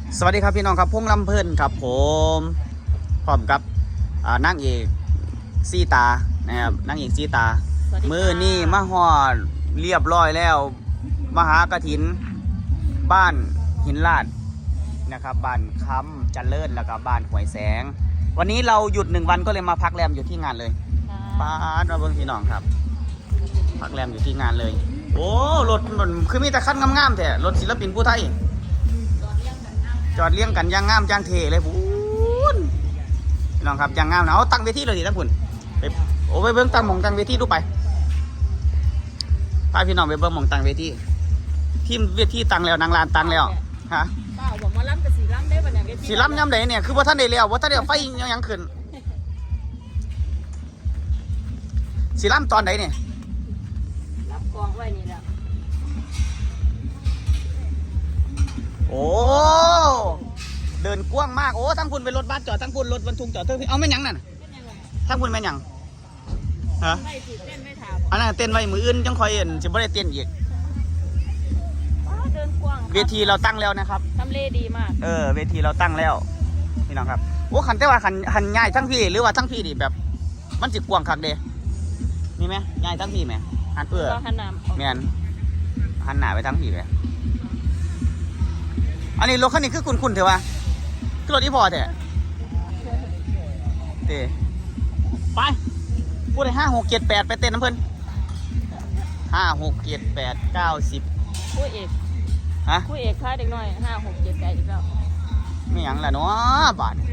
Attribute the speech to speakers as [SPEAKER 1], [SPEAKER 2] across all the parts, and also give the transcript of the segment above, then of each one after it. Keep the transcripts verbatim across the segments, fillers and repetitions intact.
[SPEAKER 1] สวัสดีครับพี่น้องครับพงลำเพิ่นครับผมพร้อมกับนางเอกซีตานะครับนางเอกซีตามือนี่มาฮอดเรียบร้อยแล้วมหากฐินบ้านหินลาดนะครับบ้านคำเจริญแล้วก็บ้านหวยแสงวันนี้เราหยุดหนึ่งวันก็เลยมาพักแรมอยู่ที่งานเลยป้ามาเบิ่งพี่น้องครับพักแรมอยู่ที่งานเลยโอ้รถมันคือมีแต่คันงามๆแท้รถศิลปินผู้ไทยจอดเลี้ยงกันย่างงามย่างเทเลยพูนพี่น้องครับย่างงามนะเอาตั้งเวทีเลยดิท่านคุณไปโอ้ไปเบิ้งตั้งหม่องตั้งเวทีดูไปพาพี่น้องไปเบิ้งหม่องตั้งเวทีทีมเวทีตั้งแล้วนางลานตั้งแล้วฮะ
[SPEAKER 2] เปล่าบอกมาล้ำกับสีล้ำได้ปะเนี่ยเวที
[SPEAKER 1] สีล้ำย่ำไหนเนี่ยคือว่าท่านได้แล้วว่าท่านได้ไฟยังยังขึ้นสีล้ำตอนไหนเนี่ย
[SPEAKER 2] รับกองไว้นี่แหละ
[SPEAKER 1] โอ้เดินกว้างมากโอ้ทั้งคุณเป็นรถบัสจอดทั้งคุณรถบรรทุกจอดทั้งเอาไม่ยังนั่นทั้งคุณไม่ยังฮะ
[SPEAKER 2] ไม่ถือเต้นไม่ถาม
[SPEAKER 1] อันนั้นเต้นไว้มืออื่นจังคอยเห็นจะไม่ได้เต้นอีก
[SPEAKER 2] เดินกว้าง
[SPEAKER 1] เวทีเราตั้งแล้วนะครับ
[SPEAKER 2] ทำเลดีมาก
[SPEAKER 1] เออเวทีเราตั้งแล้วพี่น้องครับโอ้ขันแต่ว่าขันขันง่ายทั้งพี่หรือว่าทั้งพี่ดิแบบมันจิกกว้างคักเดมีไหมง่ายทั้งพี่ไหมหันเอื้อ
[SPEAKER 2] หันหน้า
[SPEAKER 1] แมนหันหน้าไปทั้งพี่เลยอันนี้รถคันนี้คือคุณคุณเถอะวะคือรถที่พอเถอะเตะไปพูดเลยห้าหกเจ็ดแปดไปเต้นน้ำเพลินห้าหกเจ็ดแปดเก้าสิบ
[SPEAKER 2] คู่เอก
[SPEAKER 1] ฮะ
[SPEAKER 2] คู่เอกค่าเด็กน้อยห้าหกเจ็ดแปดอีกแล้ว
[SPEAKER 1] ไม่ยังละเนาะบาท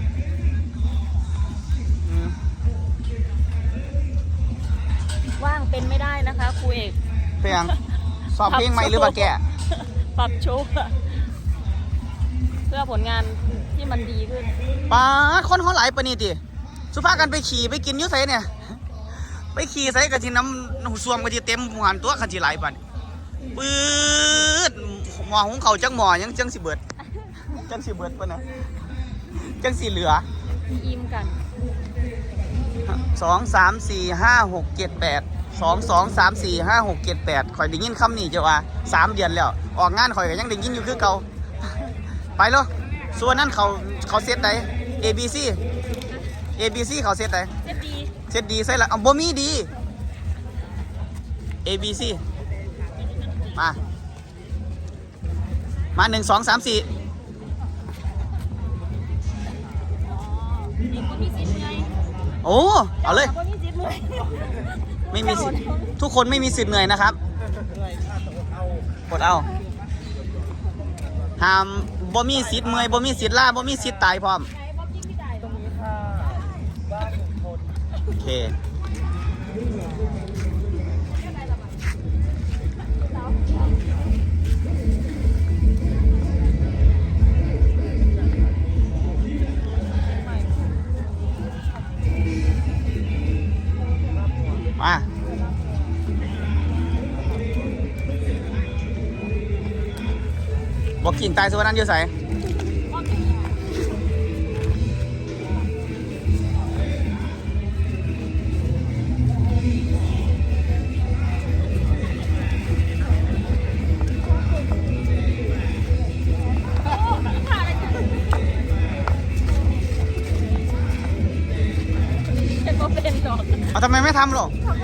[SPEAKER 2] ว่างเป็นไม่ได้นะคะครูเอก
[SPEAKER 1] เพลงสอบเพลงใหม่หรือว่าแก
[SPEAKER 2] ปรับโชว์เพื่อผลงานที่มันดีขึ้น
[SPEAKER 1] ป้าคนเขาหลายปะนี่ติสุภาพกันไปขี่ไปกินยุ่ไสเนี่ยไปขี่ไสกะทิน้ำหูซ่วมกะทิเต็มหันตัวกะทิหลายปะปื๊ดหม้อหุงเขาจังหม้อยังจังสิเบิดจังสิเบิดปะนะจังสิเหลือ
[SPEAKER 2] อิ่มกัน
[SPEAKER 1] สองสามสี่ห้าหกเจ็ดแปดสองสองสามสี่ห้าหกเจ็ดแปดคอยได้ยินคำนี้เจ้าว่าสามเดือนแล้วออกงานคอยก็ยังได้ยินอยู่คือเก่าไปเลยส่วนนั้นเขาเขาเซตไหน A B C A B C เขาเซตไหน
[SPEAKER 2] เซตดี
[SPEAKER 1] เซตดีใส่ละเอาบ่มีดี A B C มามาหนึ่งสองสามสี่โอ้เอาเลยไม่มีสิทธิ์ทุกคนไม่มีสิทธิ์เหนื่อยนะครับกดเอาห้ามบ่มีสิทธิ์เมื่อยบ่มีสิทธิ์ล่าบ่มีสิทธิ์ตายพร้อมโอเคมาบอกกิ่งตายส่วนนั้นอยู่ใส่เอาทำไมไม่ทำหรอ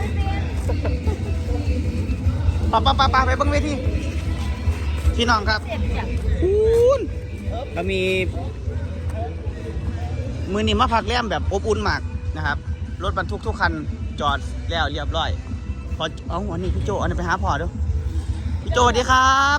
[SPEAKER 1] ปะปะปะปะไปเบิ้งเวทีพี่น้องครับคุณเรามีมือนี่มาพักแรมแบบอบอุ่นมากนะครับรถบรรทุกทุกคันจอดแล้วเรียบร้อยพอเอาอันนี้พี่โจอันนี้ไปหาพ่อดูพี่โจสวัสดีครับ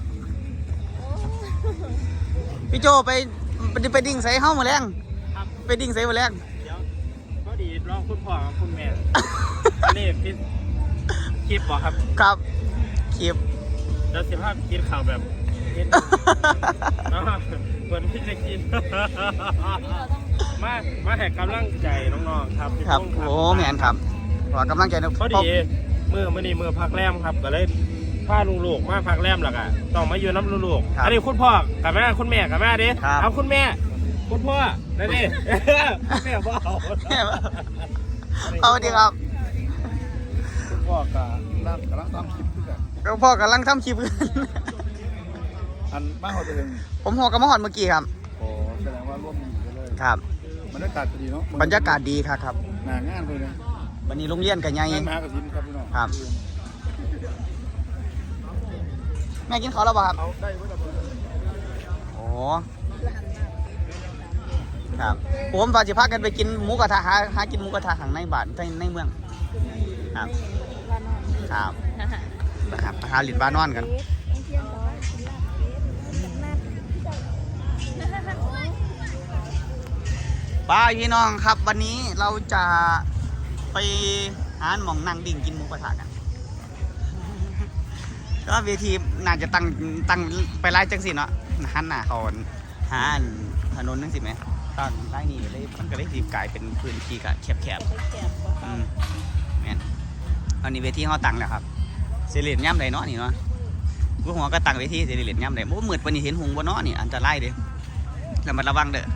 [SPEAKER 1] พี่โจไปไปดิ่งใส่เข้ามาแรงไปดิ่งใส่มาแรง
[SPEAKER 3] ก็ดีรองคุณพ่อกับคุณแม่อันนี้พี่คลิปบอกครับ
[SPEAKER 1] ครับคลิป
[SPEAKER 3] แล้วสิภาพกินข่าวแบบเหมือนพี่จะกินมามาแหกกำลังใจน้องๆครับ
[SPEAKER 1] ครับโอ้แมนครับขอกำลังใจนะ
[SPEAKER 3] ก็ดีมือมื่อนี้มือพักแรมครับก็เลยพาลูกๆมาพักแรมหรอกอ่ะต้องมาอยู่น้ำลูกๆอันนี้คุณพ่อกับแม่คุณแม่กับแม่ดิเอาคุณแม่คุณพ่อนั่นดิแม่พ่อเอา
[SPEAKER 1] เอาดีครับ
[SPEAKER 3] พ่อกับนั่งกำลังทำคลิปกัน
[SPEAKER 1] พ่อกำลังทำคลิปกัน
[SPEAKER 3] อันมาเขาเอง
[SPEAKER 1] พผมหัวกับมะฮอดเมื่อกี้ครับ
[SPEAKER 4] โอ้แสดงว่าร่วมมือกันเลย
[SPEAKER 1] ครับ
[SPEAKER 4] บรรยากาศดีเนาะ
[SPEAKER 1] บรรยากาศดีครับครับ
[SPEAKER 4] หนางานเลยนะ
[SPEAKER 1] วันนี้โรงเรียนกันใหญ่
[SPEAKER 4] งานมหากฐินครับพี่น้อง
[SPEAKER 1] ครับ แม่กินข้าวแล้วเปล่ะครับ
[SPEAKER 4] เอาได้ไว้กับ
[SPEAKER 1] โอ้ครับผมว่าจะพากันไปกินหมูกระทะหาหากินหมูกระทะข้างในบ้านในในเมืองครับครับนะครับไปหาหลินบ้านนอนกันป้าพี่น้องครับวันนี้เราจะไปหาหม่องนั่งดิ่งกินหมูกระทะกันก็เวทีน่าจะตั้งตั้งไปไล่จังสิเนาะหันหน้าเขาหาอันถนนนั่งสิไหมตั้งไล่นี่เลยมันก็เลยสีกลายเป็นพื้นที่กะแคบ
[SPEAKER 2] แคบ
[SPEAKER 1] ๆอืมแม่นอันนี้เวทีเขาตั้งแล้วครับเสลียนย่ำใดเนาะนี่เนาะกูหัวก็ตั้งเวทีเสลียนย่ำใดโอ้มืดวันนี้เห็นหงบนเนาะนี่อันตรายเด้แล้วมันระวังเด้อ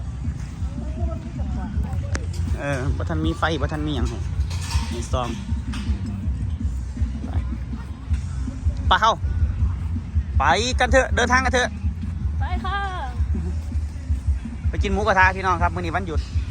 [SPEAKER 1] เออบ่ทันมีไฟบ่ทันมีหยังให้มีซองไปปะเข้าไปกันเถอะเดินทางกันเถอะ
[SPEAKER 2] ไปค่ะ
[SPEAKER 1] ไปกินหมูกระทะพี่น้องครับมื้อนี้วันหยุด